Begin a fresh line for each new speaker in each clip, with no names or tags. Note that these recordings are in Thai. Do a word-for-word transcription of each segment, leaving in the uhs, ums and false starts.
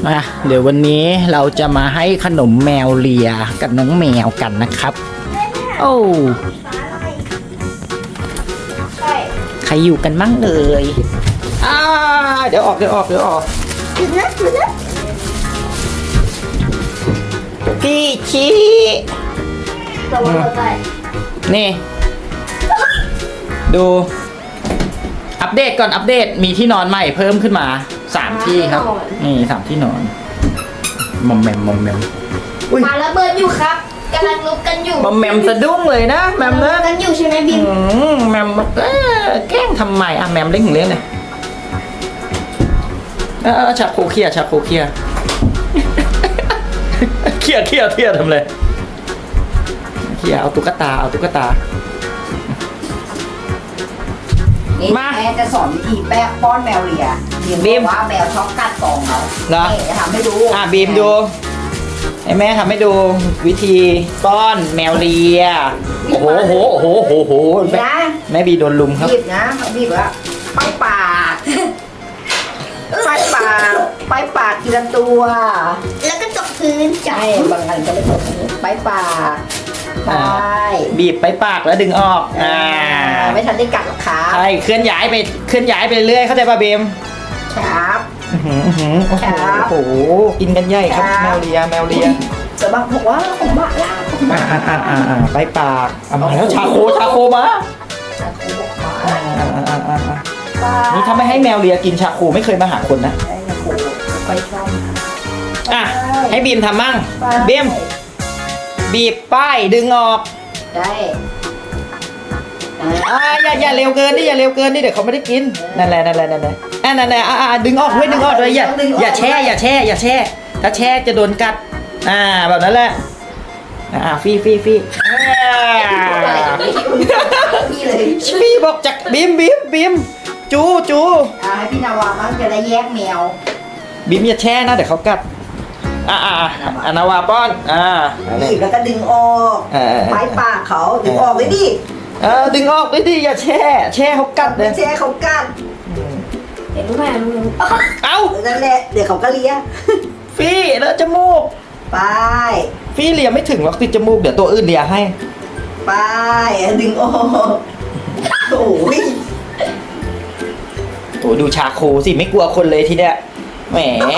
มาเดี๋ยววันนี้เราจะมาให้ขนมแมวเลียกับน้องแมวกันนะครับโอ้ใครอยู่กันมั่งเอ่ยอ่าเดี๋ยวออกเดี๋ยวออกเดี๋ยวออกพี่ชี้นี่ดูอัปเดตก่อนอัปเดตมีที่นอนใหม่เพิ่มขึ้นมาสามที่ครับนี่สามที่นอนมอมแมมมอมแมม
มาระเบิดอยู่ครับกำลังลุกกันอยู่
มอมแมมสะดุ้งเลยนะแมมนะ
กันอยู่ใช่ไหมบิม
อืมแมมเอ้อแกล้งทำไมอ่ะแมมเล่นถึงเล่นเลยเออชาโคเคียชาโคเคียเคียเคียเคียทำเลยเคียเอาตุ๊กตาเอาตุ๊กตา
นี่แม่จะสอนวิธีแป้ป้อนแมวเลียเรียนว่าแมวชอบกัดกองเขา
เหรอ
จะทำให้ดู
อ่ะบีมดูให้แม่ทำให้ดูวิธีป้อนแมวเลียโอ้โหโหโหโหโห
บีบนะ
แม่บีโดนลุมครับ
บีบนะบีบว่าป้ายปากป้ายปากป้ายปากทีละตัว
แล้วก็ตกพื้นจั
ใช่บางอันก็ไม่ตกป้ายปากป้าย
บีบไปปากแล้วดึงออกอ่า
ไม่ทันได้กัดหรอกครับ
ใช่เคลื่อนย้ายไปเคลื่อนย้ายไปเรื่อยเข้าใจป่ะบีม
ครับ
อื้อหืออื้อหือโอ้โห
ครับ
โอ้โหกินกันใหญ่ครับ
ครับ
แมวเลียแมวเลีย
จะบอกบอกว่าของบ้าล่าของ
อ่า
บ้า
อ่าอ่าอ่าไปปากเอามาแล้วชาโคชาโคมาอ่าอ่าอ่าอ่าอ่านี่ถ้าไม่ให้แมวเลียกินชาโคไม่เคยมาหาคนนะ
ได้นะโอ้ไปชอบ
อ่ะให้บีมทำมั่ง
ไป
บีมบีบป้ายดึงออก
ได้อ่า
อ่าอย่าอย่าเร็วเกินดิอย่าเร็วเกินดิเดี๋ยวเขาไม่ได้กินนั่นแหละนั่นแหละนั่นแหละอ่านั่นแหละอ่าอ่าดึงออกด้วยดึงออกด้วยอย่าอย่าแช่อย่าแช่อย่าแช่ถ้าแช่จะโดนกัดอ่าแบบนั้นแหละอ่าฟี่ฟี่ฟี่อ่า
พี่เลย
ฟี่บอกจากบีมบีมบีมจูจู
อ่าให้พี่นาวาบ้างจะได้แยกแมว
บีมอย่าแช่นะเดี๋ยวเขากัดอ่าอ่าอ่าอานาวาป้อนอ่า
บีบแล้วก็ดึงออก
เออ
ปลายปากเขาดึงออกเลยดิ
เออดึงออกด้วยดิอย่าแช่แช่เขากัดเล
ไม่
ย
ใช่เขากัด
เห็นไหมมึง
เอ้า
นั่นแหละเดี๋ยวเขาก็เลีย
ฟี่แล้วจมูก
ไป
ฟี่เลียไม่ถึงหรอกติดจมูกเดี๋ยวตัวอื่นเลียให้
ไปดึงออกโอ้ย
โอ้ดูชาโคสิไม่กลัวคนเลยทีเนี้ยแหม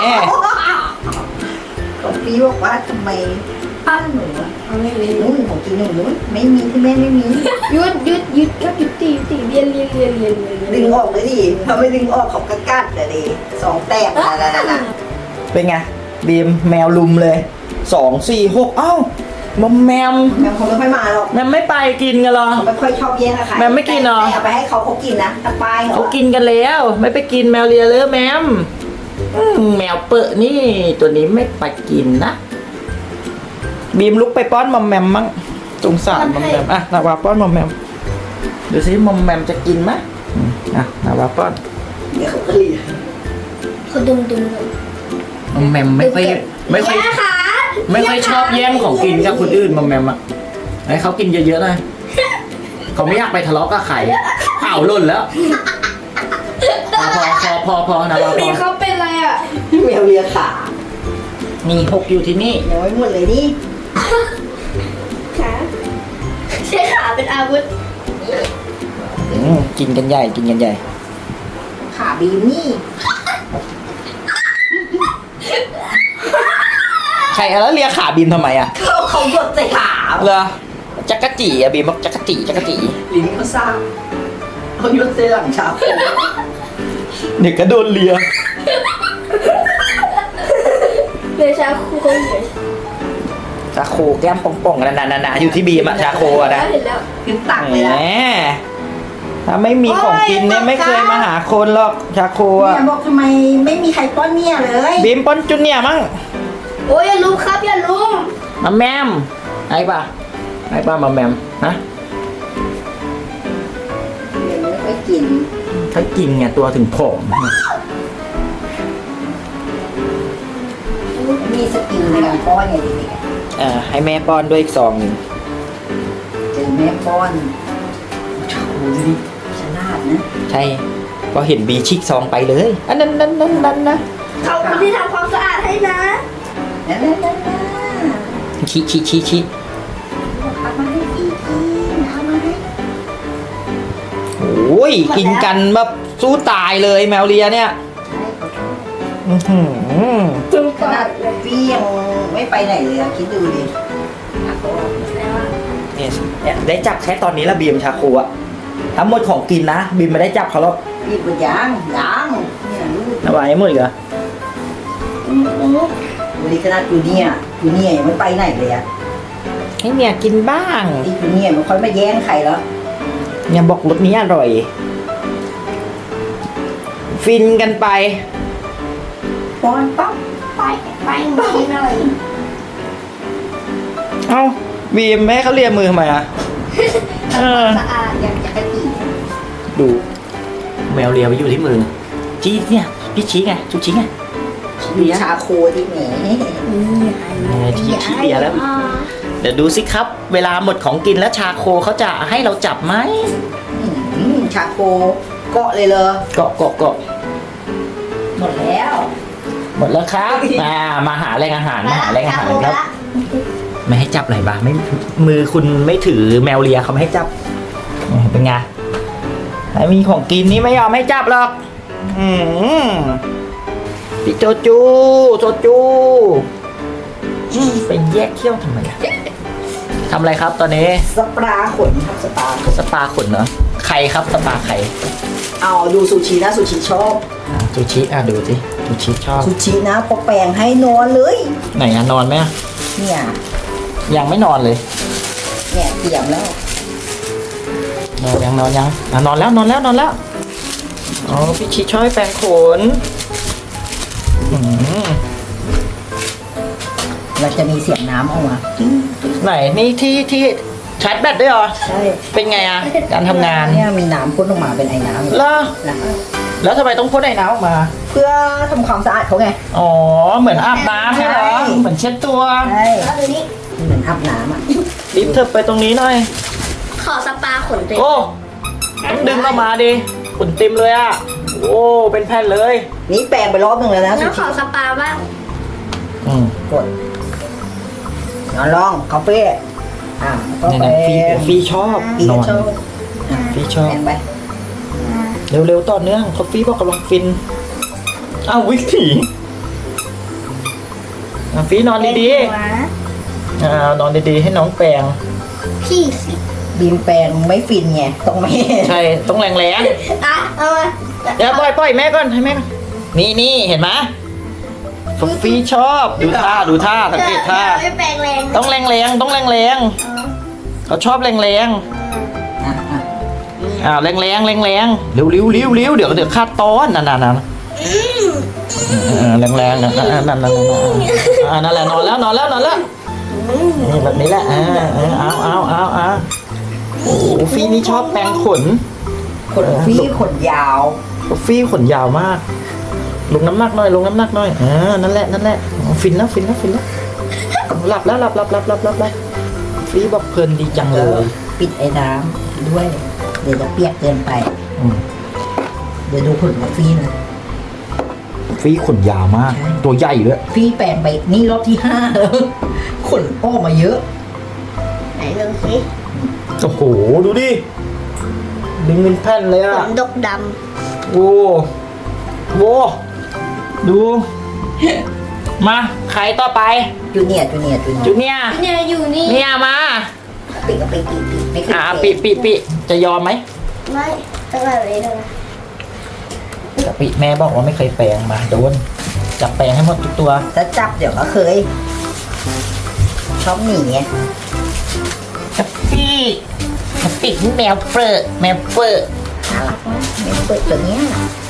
ก็พี่บอกว่าทำไมปั้นหนูอะเอาไม่มีนู้นของกินหนูนู้นไม่มีที่แม่ไม่มี
หยุดหยุดหยุดหยุดหยุดตีตีเรียนเรียนเรียนเรียนเรียน
ดึงออกเลยดิเขาไม่ดึงออกเขาก็กัดเลยดิสองแต้มนะนะนะ
เป็นไงบีมแมวลุมเลยสองสี่หกเอ้า มอมแมม
แมวคงไม่ค่อยมาหรอก
แมมไม่ไปกินกันเหรอ
เขาไม่ค่อยชอบแย่งอะค่ะ
แมวไม่กินเหรอ
แต่เอาไปให้เขาเขากินนะตะปายเหรอ
เขากินกันแล้ว ไม่ไปกินแมวเลียเลยแมมอืมแมวเปอะนี่ตัวนี้ไม่ไปกินนะบีมลุกไปป้อนมอมแมมมั้งสงสารมอมแมมอ่ะนาวาป้อนมอมแมมดูสิมอมแมมจะกินไหมอืมอ่ะนาวาป้อน
เดี๋ยวเขาก็เลีย
เขาดึงดึง
มอมแมมไม่ค่อยไม่ค่อย
ค่ะ
ไม่ค่อยชอบแย่งของกินกับคนอื่นมอมแมมอ่ะให้เขากินเยอะๆเลยเขาไม่อยากไปทะเลาะกับใครอ้าวหล่นแล้วพอพอพอพอพอนาวาพ
มี
อ
เขาเป็นอะไรอ่ะ
แมวเลียขา
มีหกอยู่ที่นี่
ยังไม่หมดเลยนี่
ขาใช้ขาเป็นอาวุธ
อืมกินกันใหญ่กินกันใหญ่
ขาบีมนี่
ใครแล้วเลียขาบีมทำไมอ่ะ
เขาเขาหยดใส่ขา
เหรอจักรจีอ่ะบีมบอกจักรจีจักรจี
ลิ้นเขาซ่าเขาหยดใส่หลังชาโค
เด็กก็โดนเลีย
เดชาคูเขาอยู่
ชาโคแก้มป่องๆนั่นน่ะๆๆอยู่ที่บีมอะชาโคอะนะ
เห็นแล้ว
ขึ้นตัก
แห
เลย
ม
นะ
ถ้าไม่มีของกินเนี่ยไม่เคยมาหาคนหรอกชาโคอะ
เนี่ยบอกทำไมไม่มีใครป้อนเนี่ยเลย
บีมป้อนจุนเนี่ยมั้ง
โอ้ยอย่าลุมครับอย่าลุม
มาแมมไอ้ป่ะไอ้ป่ะมาแมมฮะ
เดี๋ยวไม่ค่อยกิน
ถ้ากินไงตัวถึงผอม
มีสกิลในการป้อนไงดีเนี่ย
เอ่อให้แม่ป้อนด้วยอีกซองหนึ่ง
เจอแม่ป้อนโอ้ยฉลาดนะ
ใช่พอเห็นบีชิกซองไปเลยอันนั้นนั้นนั้นนั้นนะ
ฉ
ขอบคุณที่ทำความสะอาดให้นะ
นั่นนั่นนั่น
ชี้ชี้ชี้ชี้
เอามาให้พี่กินเอามาให้
โอ้ยกินกันแบบสู้ตายเลยแมวเลียเนี่ย
ใช่ขอโทษ
อื้อหือ
จุ่ม
ข
ก่อ
นาด
น
พี่ยังไม่ไปไหนเลยอะคิดดูดิอ่ะโอ้
เนี่ยเนี่ยได้จับแค่ตอนนี้ละบีมชาคูอะทั้งหมดของกินนะบีมไม่ได้จับเขาหรอก
พี่มันยังยังเนี่ยลูก
เอาไว้ให้หมดอีกเหรอ
ดูดิขนาดจูเนียร์จูเนียร์ยังไม่ไปไหนเลยอะ
ให้เมียกินบ้าง
ไอ้จูเนียร์มันค่อยมาแย่งใครแล้ว
เนี่ยบอกรสนี้อร่อย ฟินกันไป
ป้อนปั๊บ
ไปไปกินหน่อย
เอ้าบีมแม่ให้เขาเลียมือทำไมอะเออ
สะอาดอย่างจักรจี
ดูแมวเลียไปอยู่ที่มือจี้เนี่ยพี่ชี้ไงจุชี้ไงชี้เลีย
ชาโคที่แหม
เนี่ยชี้ชี้เลียแล้ว เดี๋ยวดูสิครับ เวลาหมดของกินแล้วชาโคเขาจะให้เราจับไหม
อืมชาโคเกาะเลยเลย
เกาะเกาะเกาะ
หมดแล้ว
หมดแล้วครับ อ่ามาหาแรงอาหารมาหาแรงอาหารครับ ไม่ให้จับไหนบ้างไม่มือคุณไม่ถือแมวเลียเขาไม่ให้จับเป็นไงไอ้มีของกินนี่ไม่ยอมให้จับหรอก อืมพี่โจจูโจจูอืมเป็นแยกเขี้ยวทำไมอะทำอะไรครับตอนนี้
สปาขนครับสปาขน
สปาขนเหรอใครครับสปาใคร
เอาดูซูชินะซูชิชอบ
อ่ะซูชิอ่ะดูสิซูชิชอบ
ซูชินะพอแปลงให้นอนเลย
ไหนอะนอนไหมอะ
เนี่ย
ยังไม่นอนเลย
เนี่ยเตรียมแล้ว
นอนยังนอนยังอ่ะนอนแล้วนอนแล้วนอนแล้วอ๋อพี่ชิชอบให้แปรงขนอืม
เราจะมีเสียงน้ำออกมา
ไหนนี่ที่ที่ชาร์จแบตด้วยเหรอ
ใช่
เป็นไงอะการทำงาน
เนี่ยมีน้ำพ่นออกมาเป็นไอ้น้ำเลย
แล้ว
นะ
แล้วทำไมต้องพ่นไอ้น้ำออกมา
เพื่อทำความสะอาดเขาไง
อ๋อเหมือนอาบน้ำใช่เหรอ
ใช่
เหมือนเช็ดตัว
ใช่
แล้วตัวนี้
เหมือนอาบน้ำอ่ะ
รีบเธอไปตรงนี้หน่อย
ขอสปาขนเต็ม
โอ้ต้องดึงออกมาดิขนเต็มเลยอะโอ้เป็นแผ่นเลย
นี่แปลงไปรอบหนึ่งแล้วนะ
งั้
ซู
นข
ชิ
อสปาบ้าง
อืม
กดนอนลองคาเฟ่อ่าก็
เนี่ย
ไป
นะฟีฟีชอบ
ฟี
นอน
ชอบอ่ะ
ฟีชอบ
แปลงไป
เร็วๆต่อเนื่องคอฟฟี่บอกกำลังฟินอ้าววิกผีอ่ะฟีนอนดีๆอ่านอนดีๆให้น้องแปรง
พี่สิ
บีมแปลงไม่ฟินไงต้องไม่
ใช่ต้องแรง
อ่ะเอามา
ๆเดี๋ยวปล่อยปล่อยแม่ก่อนให้แม่ก่อนนี่นี่เห็นไหมคอฟฟี่ชอบดูท่าดูท่าสังเกตท่า
ไม่แปลงแรง
ต้องแรงๆต้องแรงๆเขาชอบแรง
อ่ะอ่ะ
ๆอ่าแรงๆแรงๆเร็วๆเร็วๆเร็วๆเดี๋ยวเดี๋ยวคาดตอนนั่นๆๆเออแรงๆนั่นๆนั่นๆอ่านั่นแหละนอนแล้วนอนแล้วนอนแล้วนี่แบบนี้แหละอ่าเอาเอาเอาเอาโอ้โหฟี่นี่ชอบแปรงขน
ขนฟี่ขนยาว
ฟี่ขนยาวมาก ลงน้ำหนักหน่อยลงน้ำหนักหน่อยอ่านั่นแหละนั่นแหละอ๋อฟินแล้วฟินแล้วฟินแล้วหลับแล้วหลับหลับหลับหลับหลับหลับฟี่บอกเพลินดีจังเล
เออย ปิดไอ้น้ำด้วย เดี๋ยวจะเปียกเกินไป
อืม
เดี๋ยวดูขนของฟี่นะ
ฟี่ขนยาวมาก ตัวใหญ่ด้วย
ฟี่แปลงไปนี่รอบที่ห้าแล้ว ขนออกมาเยอะ
ไหนดูสิ
โอ้โหดูดิดึงเป็นแผ่นเลย
ข
อ่ะ
นดกด
โอ้โหดู มาใครต่อไป
จูเนียร์จูเนียร์จูเนีย
จุ
ร์
เนียร์
ำเนี่ยอยู่นี่
เนี่ยมา
ปิดกับปิดปิดปิดไม่ขึ้น
อ่าปิปิปิจะยอมไหม
ไม่ตั้งแต่เลยนะ
กะปิแม่บอกว่าไม่เคยแปลงมาโดนจับแปลงให้หมดทุกตัว
ถ้าจับเดี๋ยวก็เคย ชอบหนีไง
กะปิกะปินี่แมวเปิดแมวเปิด
น่ารักนะไม่เปิดตัวเนี้ย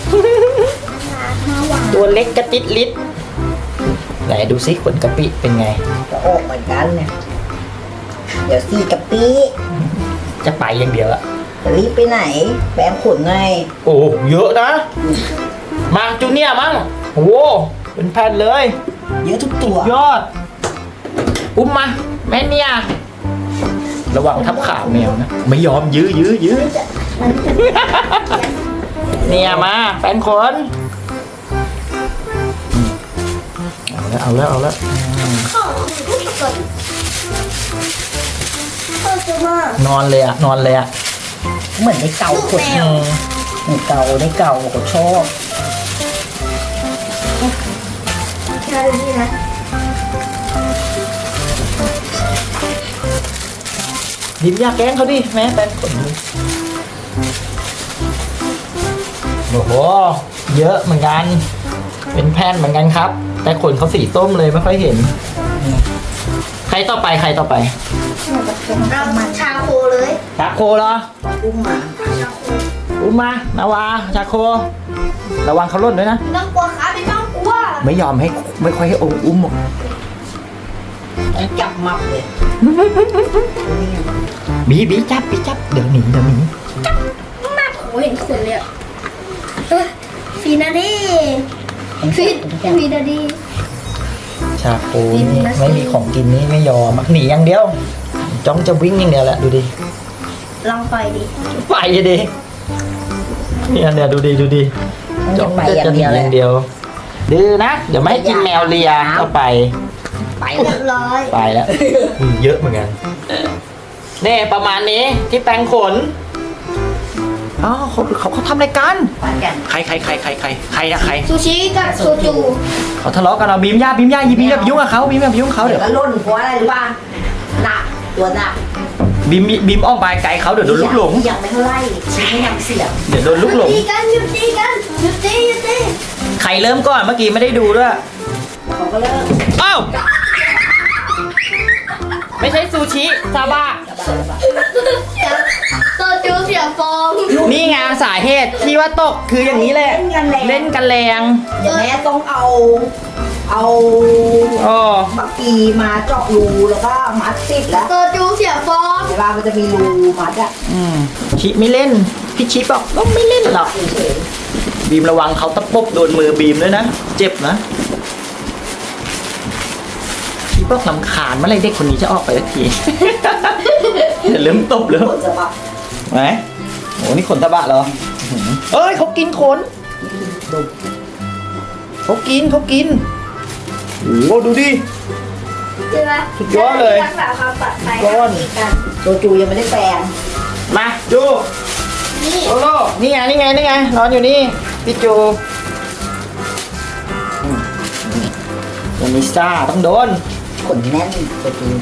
ตัวเล็กกระติดลิดไหนดูซิขนกะปิเป็นไง
จะออกเหมือนกันเนี่ยเดี๋ยวซีกับปี
จะไปอย่างเดียวอะ
จะรีบไปไหน แปลงขนไง
โอ้เยอะนะ มาจูเนียร์มั้งโอ้เป็นแผ่นเลย
เยอะทุกตัว
ยอด อุ้มมา แม่เนี่ย ระวังทับขาแมวนะ ไม่ยอมยื้อยื้อยื้อเนี่ยมาแฟนขนอืมเอาแล้วเอาแล้วเอาแล้วอืม
ข้อคือทุกคนข้อจะมาก
นอนเลยอะนอนเลยอะ
เหมือนในเก่าขด
อืม
ในเก่าในเก่าขดชอบ
ใช่นี่นะ
ดิบอยากแกล้งเขาดิแม่แป้งขนโอ้โหเยอะเหมือนกัน เป็นแผ่นเหมือนกันครับ แต่ขนเขาสีส้มเลยไม่ค่อยเห็น ใครต่อไปใครต่อไป
เอาชาโคเลย
ชาโคเหรอ
อุ้มมา
ชาโค
อุ้มมา นาวา ชาโค ระวังเขาหล่นด้วยนะ
ไม่ต้องกลัวครับไม่ต้องกลัว
ไม่ยอมให้ไม่ค่อยให้องค์อุ้มหรอก
จับมับเลย
บีบีจับบีจับ เดี๋ยวหนีเดี๋ยวหนี
มากโอ้เห็นขนเลยอะเฮ้ยฟีนาดีฟีฟีนาดี
ชาโคนี่ไม่มีของกินนี่ไม่ยอมอะหนีอย่างเดียว จ้องจะวิ่งอย่างเดียวแหละดูดิ
ลองไปดิ
ไปดิเนี่ยเนี่ยดูดิดูดิ
มัน
จ้
จะ
อง
ไป
จะ
อย่าง
หนี
เดียว
อ
เลย
ย่างเดียวดื้อนะ เดี๋ยวไม่ให้กินแมวเลียเข้าไป
ไป
เรียบร้อย
ไปแล้วอืมเยอะเหมือนกันนี่ประมาณนี้ที่แปรงขนอ๋อเขาเขาเขาทำอะไรกัน
ไปกัน
ใครใครใครใครใครใครนะใคร
ซูชิกับโซจู
เขาทะเลาะกันเอาบีมย่าบีมย่ายีบีมอย่าไปยุ่งกับเขาบีมอย่าไปยุ่งกับเขา
เดี๋
เดี๋
ย
ยว ว
ก็ล่นเพราะอะไรรู้ป่ะหนักตัวหนัก
บีมบีมอ้อมไปไกลเขาเดี๋ยวโดนลูกหลง
ยังไม่เท่าไหร่ชิ้นไม่ยังเสียง
เดี๋ยวโดนลูกหลง
ตีกันหยุดตีกันหยุดตีหยุดตี
ใครเริ่มก่อนเมื่อกี้ไม่ได้ดูด้วย
เขาก็เลิก
อ้าวไม่ใช่ซูชิซาบะ
เสียโซจูเสียฟอง
นี่ไงสาเหตุที่ว่าตกคืออย่างนี้แหละ
เล่นกันแรง
เล่นกันแรง
เดี๋ยวแม่ต้องเอา เอา
อ๋อ
บักกีมาเจาะรูแล้วก็มัดติดแล้ว
โซจูเสียฟอง
เวลามันจะมีรูมัดอะ
อืมชิไม่เล่นพี่ชิบอกก็ไม่เล่นหรอก
เฉย
บีมระวังเขาตะปบโดนมือบีมด้วยนะ เจ็บนะพี่บอกลำคาญเมื่อไรเด็กคนนี้จะออกไปสักที อย่าเริ่มตบ
ๆ
เลย
ผลจะแบบ
ไหนโอ้นี่ขนตะบะเหรออื้อหือเอ้ยเขากินขนเขากินเขากินโอ้โหดูดิ
ใช่ไหม
สุดยอดเลย
รักษาความปลอดภัย
ก้อน
กัน
โซจูยังไม่ได้แปลง
มาดู
นี่
โลโลนี่ไงนี่ไงนี่ไงนอนอยู่นี่พี่จูอืมนี่วันนี้ซ่าต้องโดน
ขนแน่นโซจู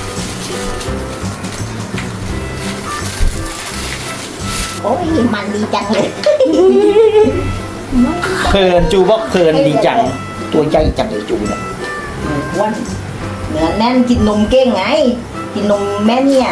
โอ้ยมันดีจังเลย
เพลินจูบอกเพลินดีจัง ตัวใหญ่จังเลยจูเนี่ย
หมูอ้วนเนื้อแน่นกินนมเก่งไง กินนมแม่เนี่ย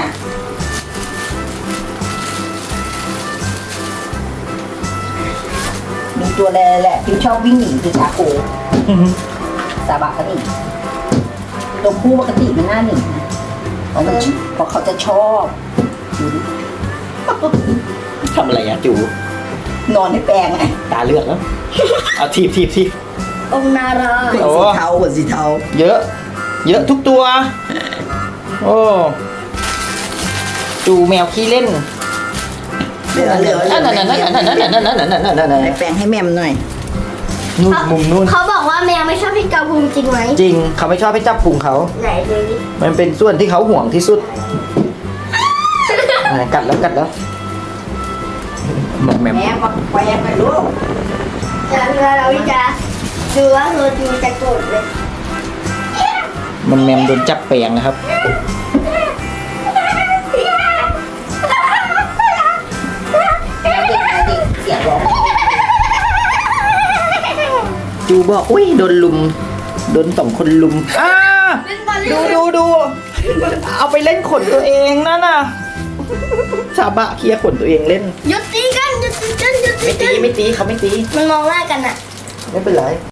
มีตัวแรแหละที่ชอบวิ่งหนีคือชาโคซาบะก็หนีตัวผู้ปกติมันน่าหนีนะเพราะมันเพราะเขาจะชอบดูดิ
ทำอะไรอะจู
นอนในแปลงไง
ตาเลือกแล้ว เอาทีบทีบทีบ
องค์นารา
ขน
โอ้
สีเทาขนสีเทา
เยอะ เยอะทุกตัว โอ้จูแมวขี้เล่น
เหลือเหลือเหลื
นั่นนั่นนั่นนั่นนั่นนั่นนั่นนั่นนั่นนั่นนั่นนั่น
ในแปลงให้แม่มหน่อย
นู่นมุมนู่น
เขาบอกว่าแมวไม่ชอบพี่กาบูมจริงไหม
จริงเขาไม่ชอบให้จับพุงเขา
ไหนดูดิ
มันเป็นส่วนที่เขาห่วงที่สุดอ่ะกัดแล้วกัดแล้วหมกแมม
แม่มาแปลงหน่อยลูก
จะเราจะดูว่าโซจูจะโกรธเลย
มันแมมโดนจับแปลงนะครับ
แม่เด็กแม่เด็กเสียงร้อง
จูบอกอุ้ยโดนลุม โดนสองคนลุมอ่า
เป็นบอล
ดูดูดูเอาไปเล่นขนตัวเองนั่นน่ะชาบะเคลียร์ขนตัวเองเล่น
หยุดตีกันหยุดตีกันหยุดตี
ไม่ตี
กัน
ไม่ตีเขาไม่ตี
มันมองหน้ากันอะ
ไม่เป็นไร